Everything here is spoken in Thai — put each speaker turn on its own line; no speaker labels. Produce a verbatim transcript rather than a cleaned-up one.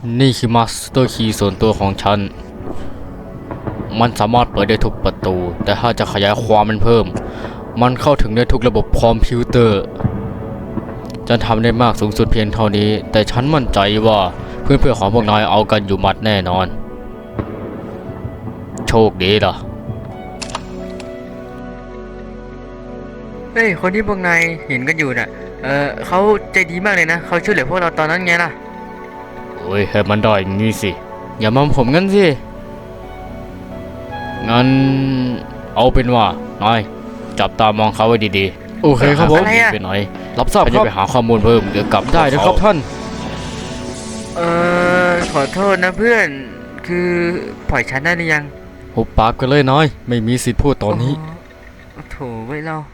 นี่คือมาสเตอร์คีย์ส่วนตัวของฉันมันสามารถเปิดได้ทุกประตู แต่ถ้าจะขยายความมันเพิ่มมันเข้าถึงได้ทุกระบบคอมพิวเตอร์ฉันทำได้มากสูงสุดเพียงเท่านี้แต่ฉันมั่นใจว่าเพื่อนๆของพวกนายเอากันอยู่หมัดแน่นอนโชคดีล่ะ
เฮ้ยคนที่พวกนายเห็นกันอยู่น่ะเออเขาใจดีมากเลยนะเขาช่วยเหลือพวกเราตอนนั้นไงล่ะ
โอ้ยให้มันได้อย่างนี้สิอย่ามองผมงั้นสิงั้นเอาเป็นว่านายจับตามองเขาไว้ดีๆโอเคครับผมไปไหนรับทราบครับไปหาข้อมูลเพิ่มเดี๋ยวกลับได้นะครับท่าน
เออขอโทษนะเพื่อนคือปล่อยฉันได้หรือยัง
หุบปากกันเลยน้อยไม่มีสิทธิ์พูดตอนนี้
โอ้โถไว้ยเรา